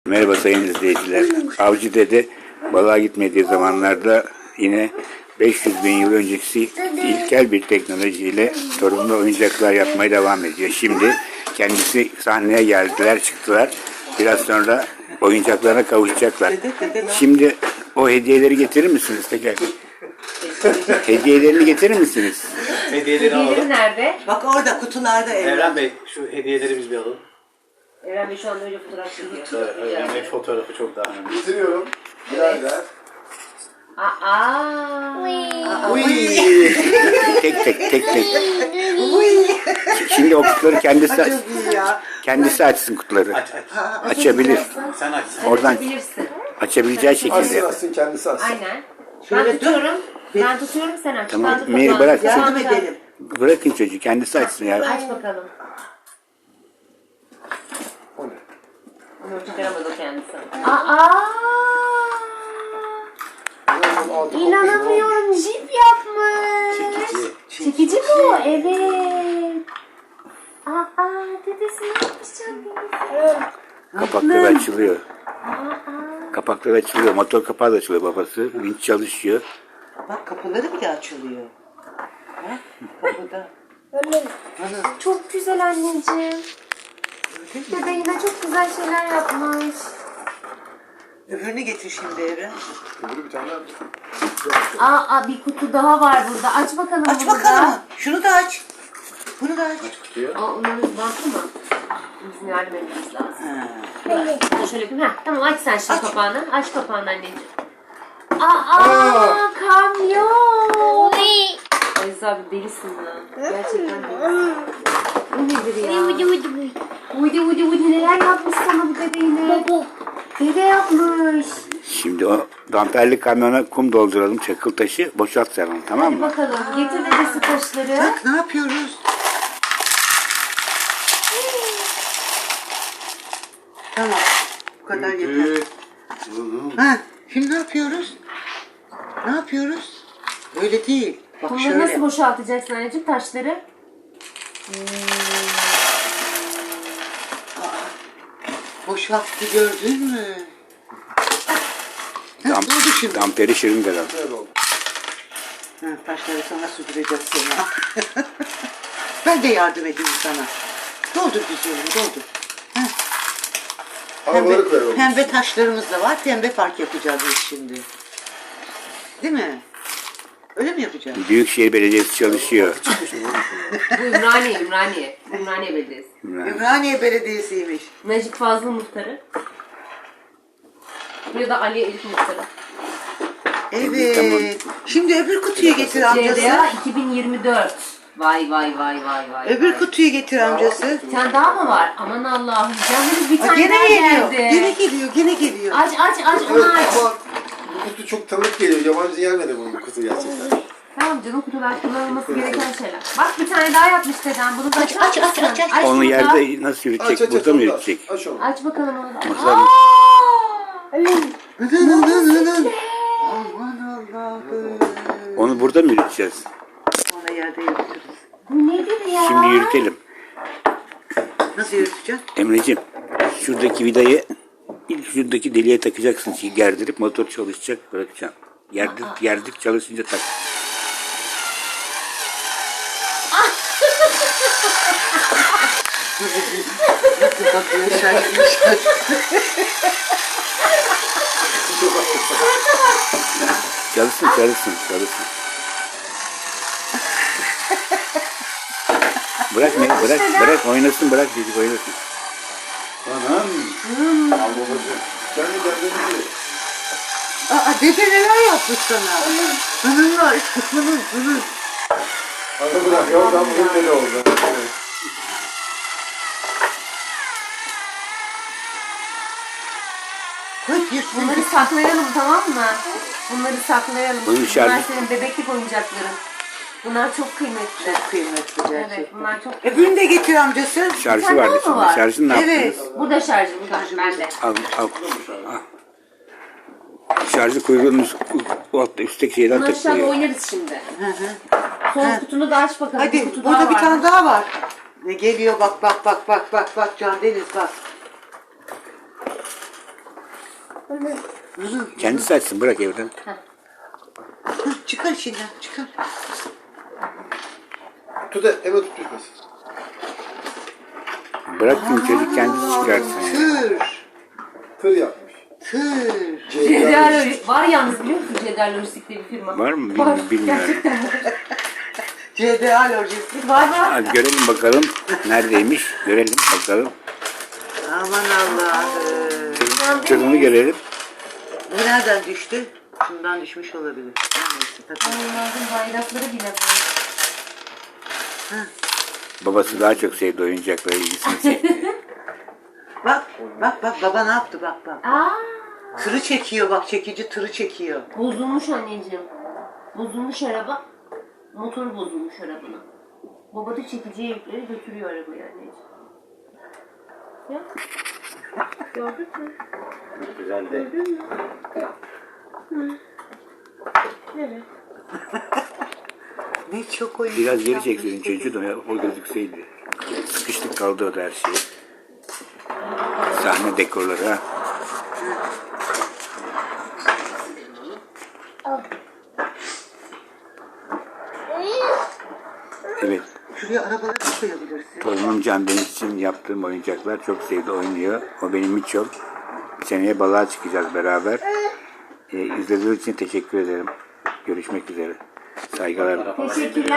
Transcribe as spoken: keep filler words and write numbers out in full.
Merhaba sayın izleyiciler. Avcı dede balığa gitmediği zamanlarda yine beş yüz bin yıl öncesi ilkel bir teknolojiyle torunlu oyuncaklar yapmaya devam ediyor. Şimdi kendisi sahneye geldiler, çıktılar. Biraz sonra oyuncaklarına kavuşacaklar. Şimdi o hediyeleri getirir misiniz tekrar? Hediyelerini getirir misiniz? Hediyeleri alalım. Hediyeleri nerede? Bak orada kutularda Evren. Evren Bey şu hediyeleri biz bir alalım. Evren Bey şu anda öyle fotoğraf çekiyor. Evet, Evren Bey fotoğrafı çok daha önemli. Bitiriyorum. Birader. Aa. Uy. Tek tek tek tek. Şimdi o kutuları kendisi Çok iyi ya. kendisi açsın kutuları. Aç aç. Açabilir. Sen aç. Oradan Açabilirsin. açabileceği şekilde. Açsın açsın kendisi açsın. Aynen. Şöyle Ben dur. tutuyorum. Ben tutuyorum sen aç. Tamam, Ben tutuyorum. Meri bırak. Yardım edelim. Bırakın çocuğu kendisi açsın ya. Aç bakalım. O ne? Onu çıkaramaz o kendisi. Aa! Bunun altı İnanamıyorum. Jip yapmış. Çekici. Çekici bu. Evet. Aa, dedesi ne yapmış canım? Kapakları açılıyor. Kapakları açılıyor. Motor kapağı da açılıyor babası. Vinç çalışıyor. Bak kapıları bile açılıyor. Bak kapıda. Çok güzel anneciğim. Dede yine çok güzel şeyler yapmış. Öbürünü getir şimdi Evren. Öbürü bir tane daha. Aa, aa, bir kutu daha var burada. Aç bakalım Aç bunu bakalım. da. Şunu da aç. Bunu da aç. Aa, onların bantı mı? Bizim yardım etmemiz lazım. Ha. Dur şöyle yapayım. Heh, tamam aç sen şimdi kapağını. Aç kapağını anneciğim. Aa, kamyon. Aziz abi delisin ya. Gerçekten delisin. Bu nedir ya? Uydu uydu uydu neler yapmış sana bu dede yine? Dede yapmış. Şimdi o damperli kamyona kum dolduralım. Çakıl taşı boşalt sen onu, tamam Hadi mı? bakalım. Getir dedesi taşları. Bak ne yapıyoruz? Tamam. Bu kadar yeter. Ha, şimdi ne yapıyoruz? Ne yapıyoruz? Öyle değil. Bak Kumları şöyle. nasıl boşaltacaksın anneciğim taşları? Boşalttı gördün mü? Ha, Dam, ne oldu şimdi? damperi şırıngadan. Böyle oldu. Ha, taşları sana süpüreceğiz sonra. Ben de yardım edeyim sana. Doldur güzelim doldur. Ha, Havaları pembe, koyalım. pembe taşlarımız da var. Pembe park yapacağız biz şimdi. Değil mi? Öyle mi yapacağız? Büyükşehir Belediyesi çalışıyor. Bu Ümraniye, Ümraniye. Ümraniye Belediyesi. Ümraniye Belediyesi'ymiş. Necip Fazıl muhtarı. Ya da Ali Elif muhtarı. Evet. Tamam. Şimdi öbür kutuyu getir amcası. C D A iki bin yirmi dört. Vay vay vay vay vay. Öbür vay. kutuyu getir amcası. Bir tane daha mı var? Aman Allah'ım. Canımız bir Aa, tane daha gene geliyor. geldi. Gene geliyor. Gene geliyor. Aç aç aç Evet onu aç. ama bu kutu çok tanıdık geliyor. Yabancı gelmedi bu kutu gerçekten. Tamam canım kutular kullanılması gereken şeyler. Bak bir tane daha yapmış dedem. Bunu da Aç, açar aç, aç, mısın? aç, aç. Onu bunu da. yerde nasıl Aç yürütecek? aç aç. Burada mı onu da yürütecek? Aç onu. Aç bakalım onu da. Masal- Aa! Nın, nın, nın, nın. Aman Allah'ım. Onu burada mı yürüteceğiz? Sonra yerde yürütürüz. Bu nedir ya? Şimdi yürütelim. Nasıl yürüteceğim? Emreciğim, şuradaki vidayı ilk şuradaki deliğe takacaksın. Şimdi gerdirip motor çalışacak, bırakacaksın. Gerdir, gerdik çalışınca tak. Nasıl bakıyor şaşmış. Çalışsın, çalışsın, çalışsın. Bırak ne? Bırak, bırak oynasın, bırak çocuk oynasın. Anam. Al babacığım. Sen de derdini bil. Aa dede neler yapmış sana? Hınır var. Hınır hınır. Hadi bırak. Oradan bugün deli oldu. Evet. Koy yırtsın. Bunları saklayalım tamam mı? Bunları saklayalım. Bunun Bunlar şarjı- senin bebeklik oyuncakların. Bunlar çok kıymetli. Çok kıymetli gerçekten. Evet bunlar çok Öbürünü de getir amcası. Şarjı tane vardı daha mı şimdi. var? Şarjını ne Evet. yaptınız? Burada şarjı burada. Bende. Al, al. al. Şarjı kuyruğunun üst- o altta üstteki şeyden Bunu aşağıda takılıyor. oynarız şimdi. Hı hı. Son kutunu da aç bakalım. Hadi kutu burada daha bir var. tane daha var. Ne geliyor bak bak bak bak bak bak Can Deniz bak. Uzun. Kendisi açsın, bırak evden. Hı, çıkar içinden çıkar. Tut da eve tut düşmesin. Bırak şimdi çocuk kendisi çıkarsın. Tır. Tır yapmış. Tır. Cedel var yalnız, biliyor musun Cedel Lojistik diye bir firma? Var mı? Var. Bilmiyorum. bilmiyorum. Gerçekten var. C D A lojistik. Var var. Hadi görelim bakalım. Neredeymiş? Görelim bakalım. Aman Allah'ım. Tırın- Tırını görelim. Bu nereden düştü? Şundan düşmüş olabilir. Neyse, tabii. Onların bayrakları bile var. Babası daha çok sevdi oyuncaklara, ilgisini çekti. Bak bak bak baba ne yaptı bak bak. Aa, Tırı çekiyor bak, çekici tırı çekiyor. bozulmuş anneciğim. Bozulmuş araba. Motoru bozulmuş arabanın. Baba da çekiciye yükleri götürüyor arabayı anneciğim. Ya. Gördün mü? Güzel de. Evet. Ne çok oyun. Biraz geri çekseydin çocuğu da ya, o gözükseydi. Sıkıştık kaldı o da her şey. Sahne dekorları ha. Evet. Şuraya arabaları da koyabilirsin. Torunum Can Deniz için yaptığım oyuncaklar çok sevdi, oynuyor. O benim Miçom. Seneye balığa çıkacağız beraber. Ee, izlediğiniz için teşekkür ederim. Görüşmek üzere. Saygılar. Teşekkürler.